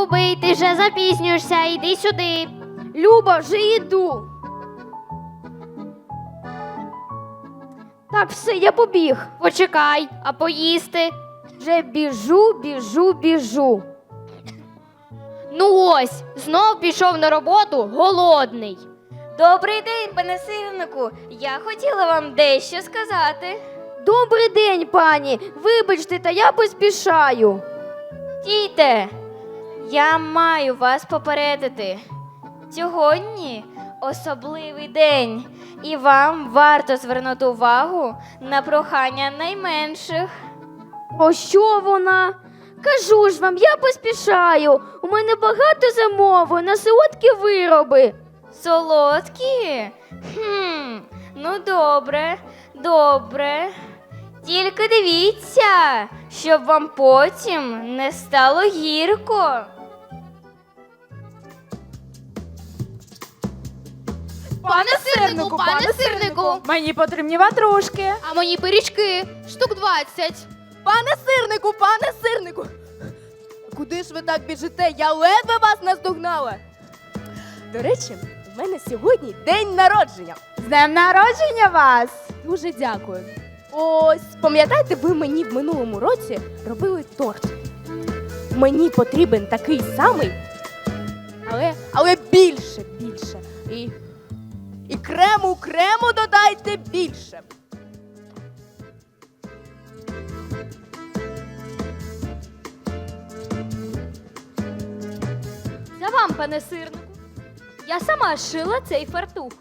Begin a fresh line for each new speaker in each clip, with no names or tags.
Любий, ти вже запізнюєшся, іди сюди.
Люба, вже йду. Так, все, я побіг.
Почекай, а поїсти?
Вже біжу.
Ну ось, знов пішов на роботу голодний.
Добрий день, пане сирнику. Я хотіла вам дещо сказати.
Добрий день, пані. Вибачте, та я поспішаю.
Стійте, я маю вас попередити. Сьогодні особливий день, і вам варто звернути увагу на прохання найменших.
Про що вона? Кажу ж вам, я поспішаю. У мене багато замовлень на солодкі вироби.
Солодкі? Ну добре. Тільки дивіться, щоб вам потім не стало гірко.
Пане сирнику!
Мені потрібні ватрушки.
А мої пиріжки, штук 20.
Пане сирнику! Куди ж ви так біжите? Я ледве вас наздогнала. До речі, в мене сьогодні день народження. З днем народження вас! Дуже дякую. Ось, пам'ятаєте, ви мені в минулому році робили торт. Мені потрібен такий самий, але більше. І крему додайте більше.
За вам, пане сирнику. Я сама шила цей фартух.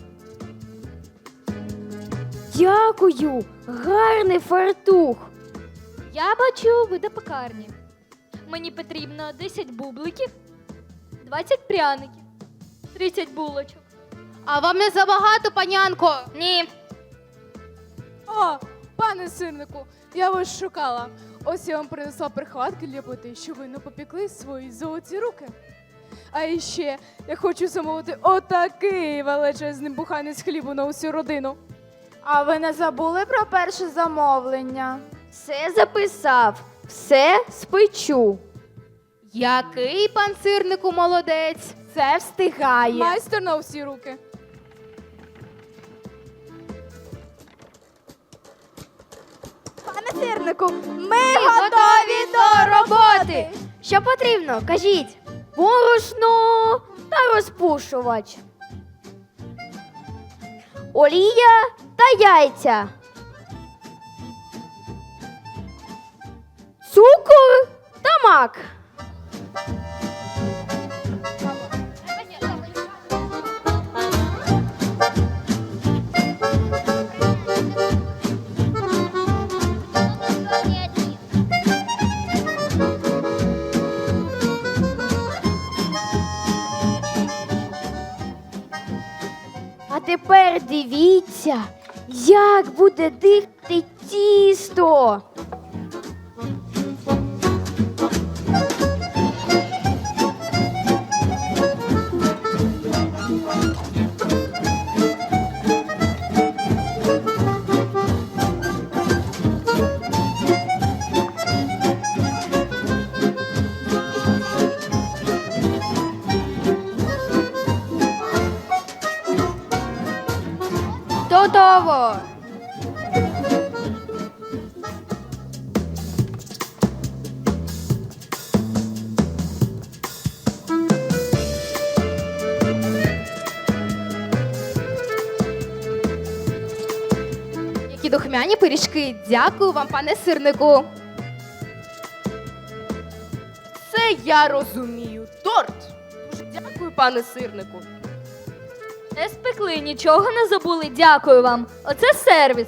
Дякую, гарний фартух.
Я бачу, ви до пекарні. Мені потрібно 10 бубликів, 20 пряників, 30 булочок. А вам не забагато, панянко?
Ні,
О, пане сирнику, я вас шукала. Ось я вам принесла прихватки для плити, щоб ви не попекли свої золоті руки. А іще я хочу замовити отакий величезний буханець хлібу на усю родину.
А ви не забули про перше замовлення?
Все записав, все спечу.
Який пан сирнику молодець?
Це встигає.
Майстер на усі руки.
Пане сирнику, ми готові до роботи.
Що потрібно, кажіть. Борошно та розпушувач. Олія та яйця. Цукор та мак. А тепер дивіться, як буде дихати тісто.
Готово! Які духмяні пиріжки. Дякую вам, пане сирнику.
Це я розумію. Торт. Дуже дякую, пане сирнику.
Не спекли, нічого не забули. Дякую вам. Оце сервіс.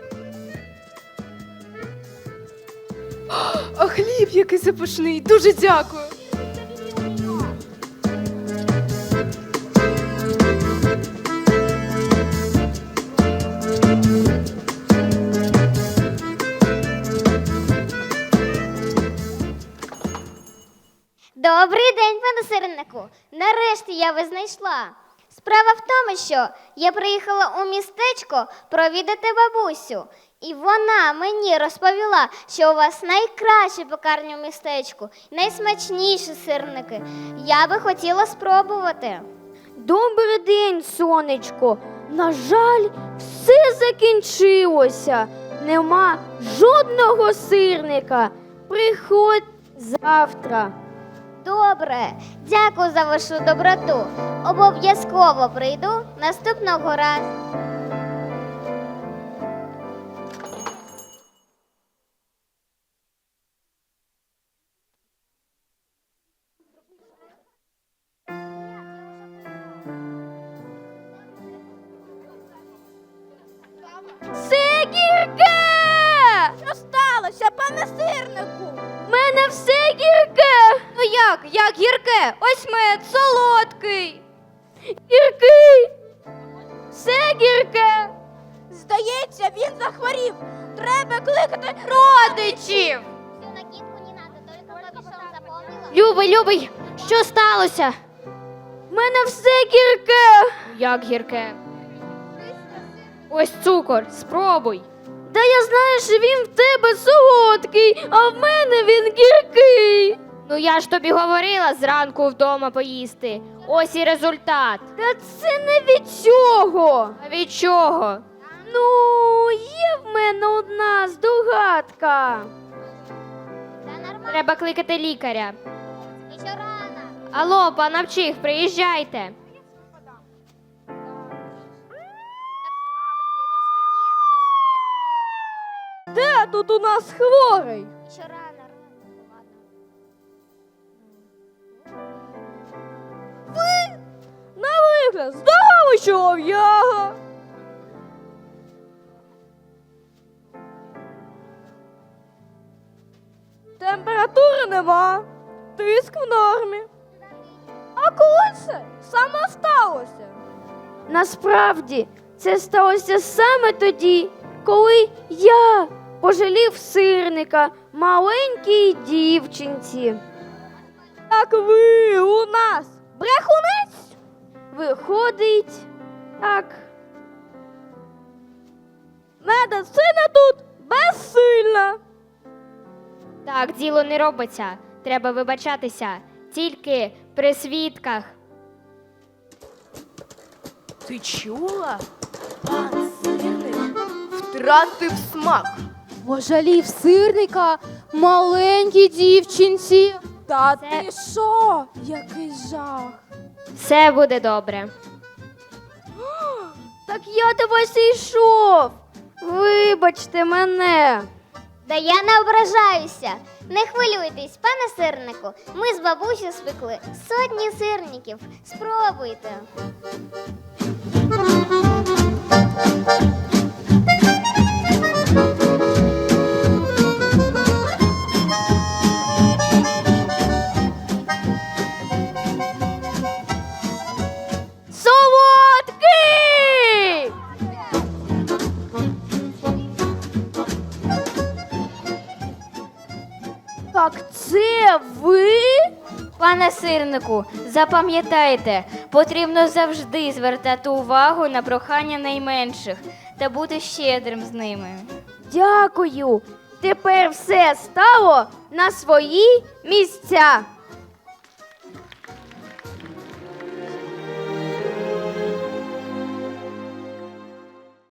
А хліб який запашний. Дуже дякую.
Добрий день, пане сирнику. Нарешті я вас знайшла. Справа в тому, що я приїхала у містечко провідати бабусю. І вона мені розповіла, що у вас найкраща пекарня в містечку, найсмачніші сирники. Я би хотіла спробувати.
Добрий день, сонечко. На жаль, все закінчилося. Нема жодного сирника. Приходь завтра.
Добре, дякую за вашу доброту. Обов'язково прийду наступного разу.
Це гірке!
Що сталося, пане сирнику?
В мене все гірке!
Ну як гірке? Ось мед солодкий.
Гіркий! Все гірке!
Здається, він захворів. Треба кликати
Родичів.
Всю накидку не надо, только капюшон запомнила?
Любий, що сталося?
В мене все гірке!
Як гірке? Ось цукор, спробуй.
Та я знаю, що він в тебе солодкий, а в мене він гіркий.
Ну я ж тобі говорила зранку вдома поїсти. Ось і результат.
Та це не від цього.
А від чого?
Ну, є в мене одна здогадка.
Та нормально,
Треба кликати лікаря.
ще рано.
Алло, пановчих, приїжджайте.
Де тут у нас хворий?
Ще рано, ладно.
На вигляд, здорово, чолов'яга. Температури нема, тиск в нормі. А коли це саме сталося? Насправді, це сталося саме тоді, коли я пожалів сирника маленькій дівчинці. Так ви у нас брехунець? Виходить, так. Медицина тут безсильна.
Так, діло не робиться. Треба вибачатися. Тільки при свідках.
Ти чула? Пан сирник втратив смак.
Пожалів сирника маленькій дівчинці. Та
Це-
ти що? Який жах.
Все буде добре.
Так я до вас і йшов. Вибачте мене.
Да я не ображаюся. Не хвилюйтесь, пане сирнику. Ми з бабусею спекли сотні сирників. Спробуйте.
Солодкий! Так це ви?
Пане сирнику, запам'ятайте, потрібно завжди звертати увагу на прохання найменших та бути щедрим з ними.
Дякую. Тепер все стало на свої місця.